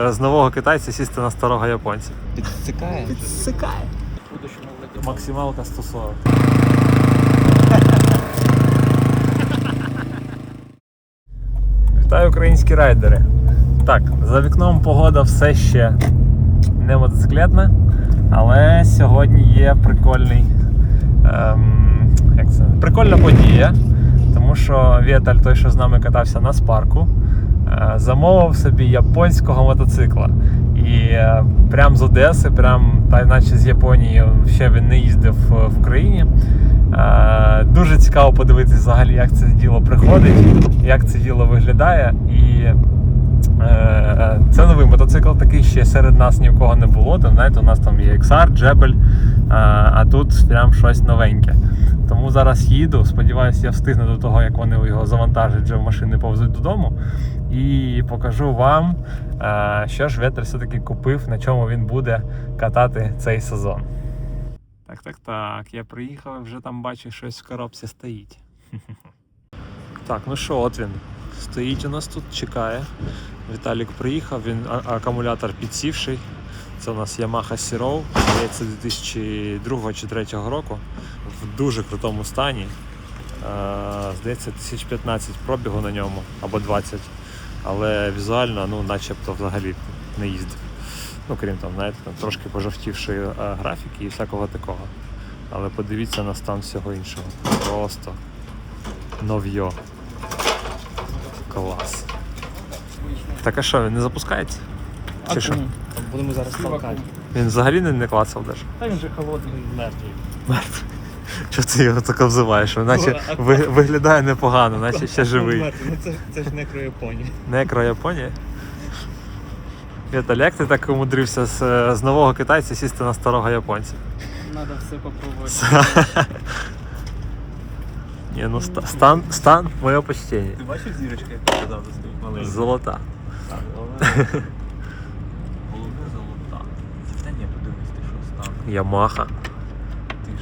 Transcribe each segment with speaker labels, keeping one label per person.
Speaker 1: З нового китайця сісти на старого японця.
Speaker 2: Підсикає?
Speaker 1: Підсикає. Максималка 140. Вітаю, українські райдери. Так, за вікном погода все ще не мотоциклетна, але сьогодні є прикольна подія, тому що Віталь, той, що з нами катався на спарку, замовив собі японського мотоцикла. І прям з Одеси, та наче з Японії, ще він не їздив в країні. Дуже цікаво подивитися взагалі, як це діло приходить, як це діло виглядає. І це новий мотоцикл, такий ще серед нас ні в кого не було. Там, знаєте, у нас там є XR, Джебель, а тут прям щось новеньке. Тому зараз їду, сподіваюся, я встигну до того, як вони його завантажать, вже в машини повезуть додому. І покажу вам, що ж Віталь все-таки купив, на чому він буде катати цей сезон. Так, я приїхав і вже там бачу, щось в коробці стоїть. Так, ну що, от він. Стоїть у нас тут, чекає. Віталік приїхав, він акумулятор підсівший. Це у нас Yamaha Sirov, здається, 2002 чи 2003 року. В дуже крутому стані. Здається, 1015 пробігу на ньому, або 20. Але візуально, начебто взагалі не їздив. Крім там, знаєте, трошки пожовтівшої графіки і всякого такого. Але подивіться на стан всього іншого. Просто нов'йо. Клас. Так а що, він не запускається? Чи що?
Speaker 2: Будемо зараз толкати.
Speaker 1: Він взагалі не клацав даже?
Speaker 2: Та він же холодний, мертвий.
Speaker 1: Мертвий? Чого ти його так обзиваєш? Наче виглядає непогано, наче ще живий.
Speaker 2: Це ж некро-Японія.
Speaker 1: Некро-Японія? Віталь, як ти так умудрився з нового китайця сісти на старого японця?
Speaker 2: Надо все попробувати.
Speaker 1: Ні, стан моє почтення.
Speaker 2: Ти бачив зірочка, як ти казав, стоїть маленька?
Speaker 1: Золота.
Speaker 2: Так, головне золота. Та ні, подивись, ти що став.
Speaker 1: Ямаха.
Speaker 2: Ти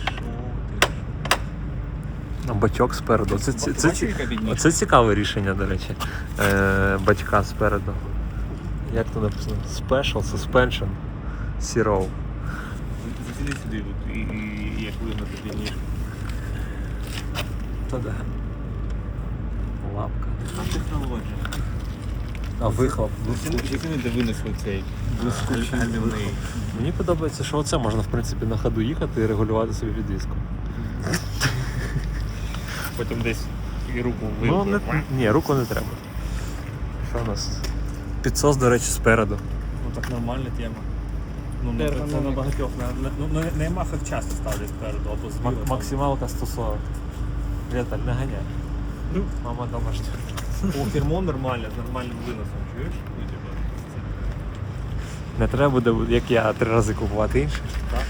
Speaker 2: що?
Speaker 1: Батьок спереду. Це цікаве рішення, до речі. Батька спереду. Як то написано? Special Suspension Sirov.
Speaker 2: Заціни сюди, і як видно тобі ніжку.
Speaker 1: Та да. Лапка.
Speaker 2: А технологія.
Speaker 1: А вихлоп.
Speaker 2: Заціни, де винесли цей гальмівний.
Speaker 1: Мені подобається, що оце можна в принципі на ходу їхати і регулювати собі підвіску.
Speaker 2: Потім десь і руку
Speaker 1: Ні, руку не треба. Що у нас? Підсос, до речі, спереду.
Speaker 2: Так нормальна тема. Це на багатьох. На Ямахах часто ставлять спереду або зліва.
Speaker 1: Максималка 140. Віталь, не ганяй. Мама домашня.
Speaker 2: Фірмон нормально, з нормальним виносом, чуєш?
Speaker 1: Не треба буде, як я, 3 рази купувати інший.
Speaker 2: Так.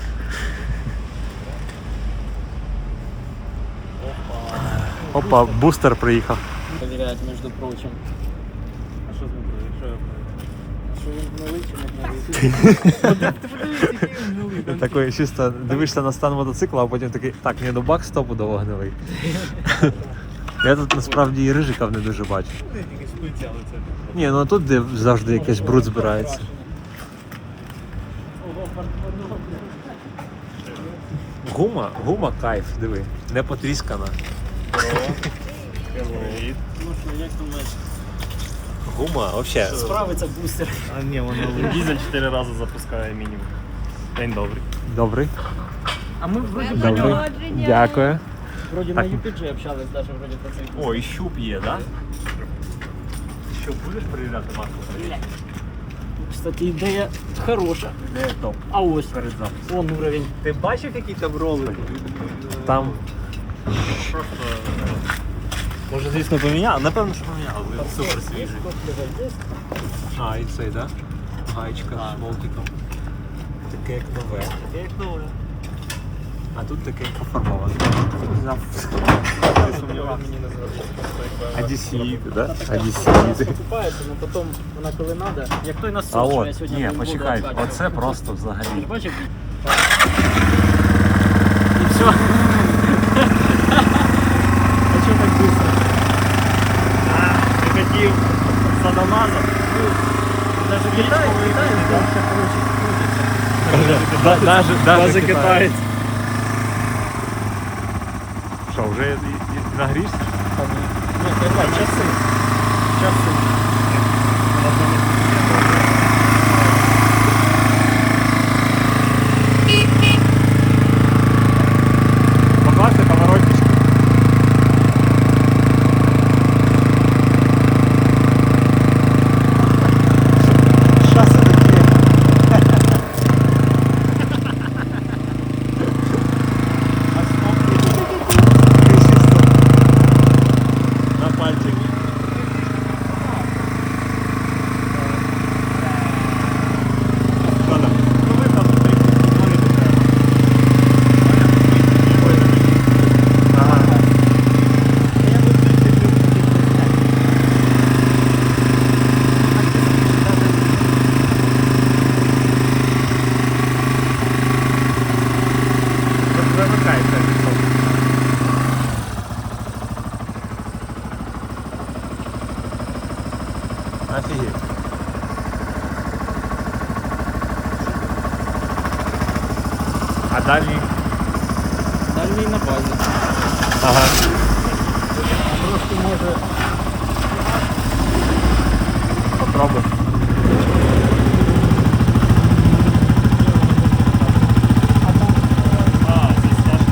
Speaker 1: Опа, бустер приїхав.
Speaker 3: Проверяют, между прочим.
Speaker 2: А що з ним провіряєш?
Speaker 3: Що він гнилий чи не гнилий?
Speaker 2: Ти подивись, який він гнилий.
Speaker 1: Такий чисто дивишся на стан мотоцикла, а потім такий, так, ні, ну бак стопудово гнилий. Я тут насправді і рижиків не дуже бачу.
Speaker 2: Якісь пиці, але це...
Speaker 1: Ні, ну тут де завжди якийсь бруд збирається. Гума кайф, диви, не потріскана.
Speaker 2: Привіт.
Speaker 3: Ну що, як думаєш,
Speaker 1: Гума, взагалі.
Speaker 3: справиться бустер?
Speaker 2: А ні, воно дізель 4 рази запускає мінімум. День добрий.
Speaker 1: Добрий.
Speaker 3: А ми вроді
Speaker 1: Добрий. Дякую.
Speaker 3: Вроді на UPG общались даже вроді про цей.
Speaker 2: О, і щуп є, так? Щуп будеш перевіряти маску?
Speaker 3: Кстати, ідея хороша.
Speaker 2: Де топ?
Speaker 3: А ось
Speaker 2: Перед запуском.
Speaker 3: вон уровень.
Speaker 2: Ти бачив, який там ролик?
Speaker 1: Там
Speaker 2: Просто... Може, звісно, поміняли? Напевно, що поміняли. Він супер свіжий.
Speaker 1: А, і цей, да? Гаєчка з болтиком. Таке як нове.
Speaker 2: Як нове.
Speaker 1: А тут таке як пофарбоване.
Speaker 2: Ти сумнівав мені не зробити.
Speaker 1: Одесіти, да? Одесіти.
Speaker 3: Покупається, але потім вона коли треба, як той насос,
Speaker 1: А
Speaker 3: що я
Speaker 1: от,
Speaker 3: сьогодні
Speaker 1: ні,
Speaker 3: буду
Speaker 1: почекай,
Speaker 3: откачувати.
Speaker 1: оце просто взагалі.
Speaker 3: Ти бачив? І все. А чого так быстро?
Speaker 2: Ти хотів садомазом?
Speaker 3: Даже Китай, дальше, короче, крутиться.
Speaker 1: Даже китаєць. Що, вже нагрівся?
Speaker 3: Ну, давай, часи. Часи.
Speaker 1: Покласти поворотнички. Що це таке? На пальчик. Що там? Ну ви там Ага. Замикається пішов. Офігеть. А дальній?
Speaker 3: Дальній на базі.
Speaker 1: Ага.
Speaker 3: Трошки може.
Speaker 1: Попробуй.
Speaker 2: А, це стежка.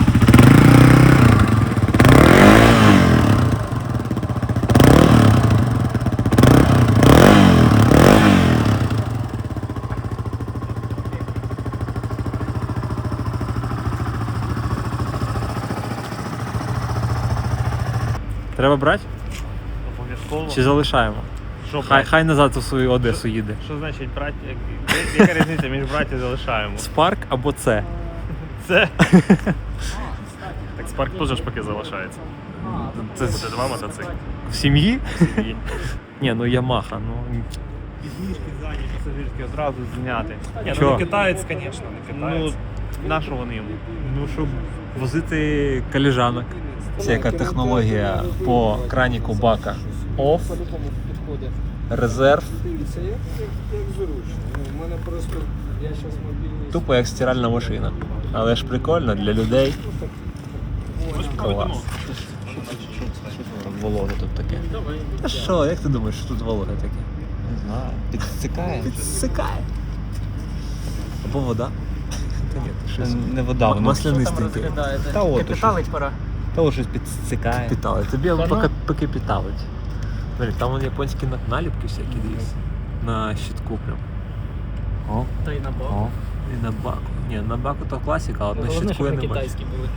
Speaker 1: Треба брати?
Speaker 2: Обов'язково.
Speaker 1: Чи залишаємо?
Speaker 2: Що
Speaker 1: Хай назад у свою Одесу їде.
Speaker 2: Що значить брати? Яка різниця між брати і залишаємо?
Speaker 1: Спарк або це.
Speaker 2: Це. Так Спарк теж ж поки залишається.
Speaker 1: Це
Speaker 2: Буде два мотоцикли.
Speaker 1: в сім'ї?
Speaker 2: І
Speaker 1: Ні, ну Ямаха, ну.
Speaker 2: підніжки задні, пасажирські одразу зняти. Ні,
Speaker 1: Чого?
Speaker 2: ну не китаєць, звісно, не китаєць. На що вони йому?
Speaker 1: Ну, щоб возити коліжанок. Це яка технологія по краніку бака. Off,
Speaker 3: По-любому підходить.
Speaker 1: резерв,
Speaker 3: Це як зручно. У мене просто, я зараз мобільний.
Speaker 1: тупо як стиральна машина. Але ж прикольно для людей. Клас. Вологе тут таке. Та що, як ти думаєш, що тут вологе таке?
Speaker 4: Не знаю. Підсикає.
Speaker 1: Підсикає. Або вода. Та ні, щось.
Speaker 4: Не вода, воно
Speaker 1: Маслянистеньке.
Speaker 4: Та от,
Speaker 3: Капіталить пора.
Speaker 4: того щось підсикає.
Speaker 1: Питали. Тобі
Speaker 3: Та ну.
Speaker 1: поки питалить. Смотри, там вон японські наліпки всякі дивись. На щитку прям. О,
Speaker 3: Та й на бок.
Speaker 4: О.
Speaker 1: і на баку. Ні, на баку то класика, а от на
Speaker 3: Головне,
Speaker 1: щитку я
Speaker 3: щоб
Speaker 1: не
Speaker 3: не
Speaker 1: бачу.
Speaker 3: китайські були.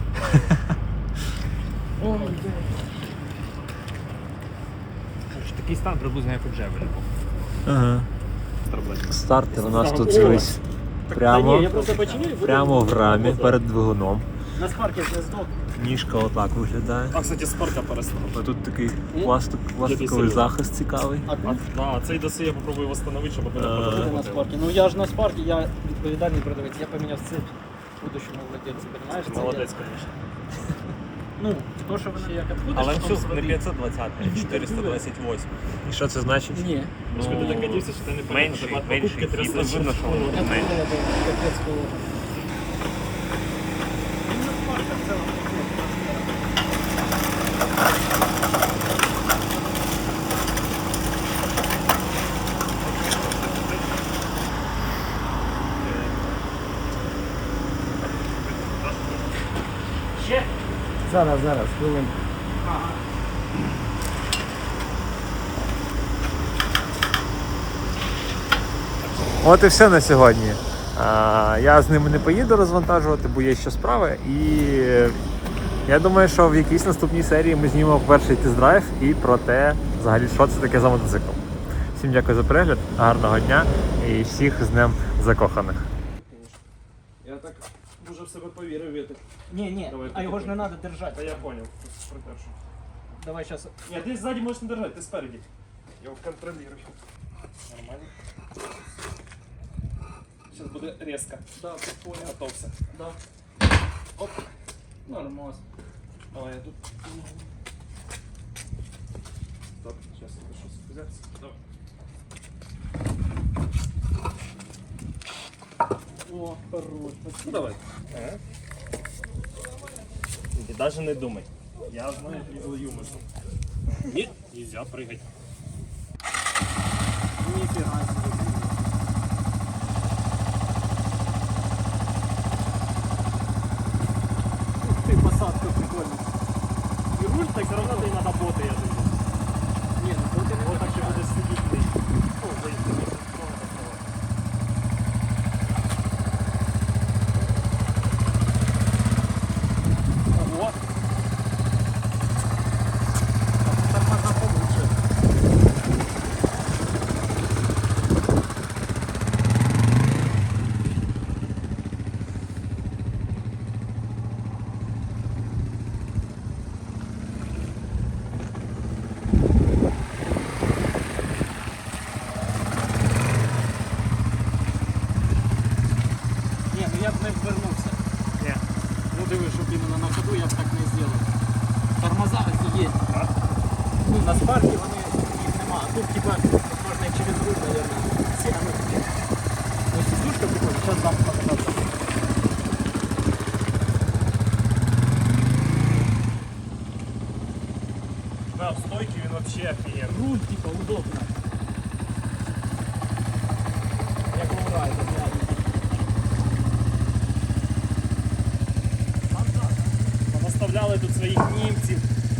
Speaker 3: Ой,
Speaker 2: Такий стан приблизно як у Джевелі.
Speaker 1: Ага. Стартер у нас тут дивись.
Speaker 3: Та ні,
Speaker 1: Прямо,
Speaker 3: я просто починю і буду.
Speaker 1: прямо в рамі перед двигуном.
Speaker 3: На спаркі я здох.
Speaker 1: Ніжка отак виглядає.
Speaker 2: А, кстати, Спарка перестав.
Speaker 1: А тут такий пластиковий
Speaker 2: серйозно?
Speaker 1: захист цікавий.
Speaker 3: А тут
Speaker 2: А цей доси я попробую встановити, щоб мене
Speaker 3: буде
Speaker 2: подобало.
Speaker 3: на спаркі. Ну я ж на спаркі, я відповідальний продавець. Я поміняв цепь будущому владельцю, розумієш? Це
Speaker 2: Молодець,
Speaker 3: я-
Speaker 2: звісно.
Speaker 3: Ну, то, що вони як відходиш,
Speaker 2: Але
Speaker 3: потім
Speaker 2: все, не
Speaker 3: сюди.
Speaker 2: 520, а 428.
Speaker 1: І що це значить?
Speaker 3: Ні.
Speaker 2: Ну, ти так дивишся, що ти не пам'ятаєш. Менший хід, видно, що воно
Speaker 3: Я
Speaker 2: менше.
Speaker 3: думала, це капець було. Ну, на спарках в цілому. Ще? Зараз, хвилин.
Speaker 1: От і все на сьогодні. Я з ними не поїду розвантажувати, бо є ще справи. І я думаю, що в якійсь наступній серії ми знімемо перший тест-драйв і про те, взагалі, що це таке за мотоцикл. Всім дякую за перегляд, гарного дня і всіх з Днем закоханих.
Speaker 2: Я так дуже в себе повірив, Вітик.
Speaker 3: Ні,
Speaker 2: Давай,
Speaker 3: а його ж не
Speaker 2: прикольно.
Speaker 3: треба держати.
Speaker 2: Та я понял, протершу.
Speaker 3: Давай зараз.
Speaker 2: Ні, ти ззаді можеш не держати, ти спереді. Я його контролюю. Нормально. Сейчас буде резко.
Speaker 3: Да, понял.
Speaker 2: Готовься.
Speaker 3: Да. Оп. Нормас.
Speaker 2: Давай, я тут. Стоп, сейчас надо щось взяти. Давай.
Speaker 3: О, хорош.
Speaker 2: Ну давай. И даже не думай. Я знаю, излую мысль. Нет, нельзя прыгать.
Speaker 3: Ніфіга собі. Ух ти, посадка прикольна.
Speaker 2: И руль так все равно ты надо боты, я думаю.
Speaker 3: Ні, ну тут
Speaker 2: Вот так ще будеш сидіти. Ну, заїхати.
Speaker 3: Ого. Тормоза получше. Ні, ну я б не ввернувся.
Speaker 2: Ні.
Speaker 3: Ну диви, щоб іменно на ходу я б так не зробив. Тормоза офігеть.
Speaker 2: А?
Speaker 3: Ну, на спаркі вони їх нема. А тут типа можна і через руль, наверное, сягнути. Ну, сидушка прикольна, зараз дам покататися.
Speaker 2: Да, в стойке він вообще офигенно.
Speaker 3: Руль, типа, удобно. Як лоурайдер, реально.
Speaker 2: Понаставляли тут своїх німців.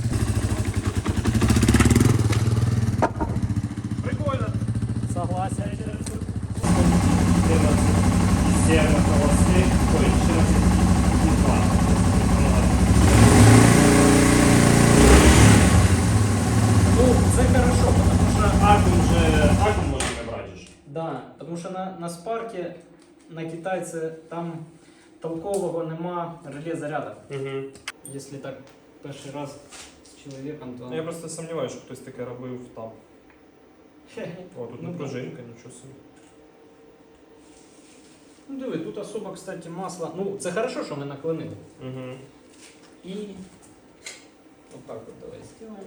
Speaker 2: Прикольно.
Speaker 3: Согласен.
Speaker 2: 7 холостых, ой, 14 и 2.
Speaker 3: Ну, це хорошо, потому що...
Speaker 2: Аккум можна не брати ж.
Speaker 3: Да, тому що на спаркі, на китайці, там толкового нема реле заряду.
Speaker 2: Угу.
Speaker 3: Якщо так перший раз з чоловіком, то...
Speaker 2: Я просто сумніваюся, що хтось таке робив там. О, тут
Speaker 3: Ну,
Speaker 2: не пружинка, нічого собі.
Speaker 3: Ну диви, тут особо, кстати, масло. Ну, це хорошо, що ми наклонили.
Speaker 2: Угу.
Speaker 3: І вот так вот давай сделаем.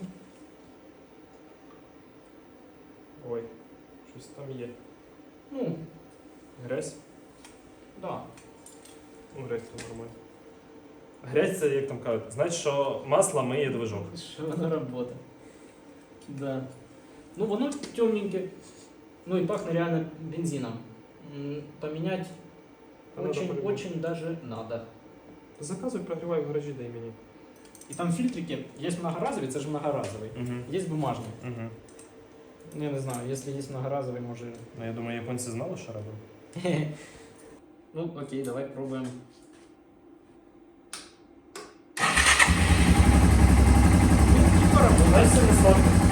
Speaker 2: Ой, щось там є.
Speaker 3: Ну,
Speaker 2: Грязь?
Speaker 3: да.
Speaker 2: Ну, грязь то нормально. Грязь це, як там кажуть, значить, що масло миє движок.
Speaker 3: Що воно работает. Да. Ну, воно темненьке. Ну и пахнет реально бензином. Поменять
Speaker 2: Надо по-любому.
Speaker 3: очень даже надо.
Speaker 2: Заказуй, прогрівай в гаражі, дай мені.
Speaker 3: И там фильтрики, есть многоразовый, это же многоразовый.
Speaker 2: Угу.
Speaker 3: Есть бумажный.
Speaker 2: Угу.
Speaker 3: Ну, я не знаю, если есть многоразовый, может...
Speaker 2: Ну, я думаю, японці знали, що робили.
Speaker 3: Ну, окей, давай пробуем.
Speaker 2: Знаєш, це не сладко.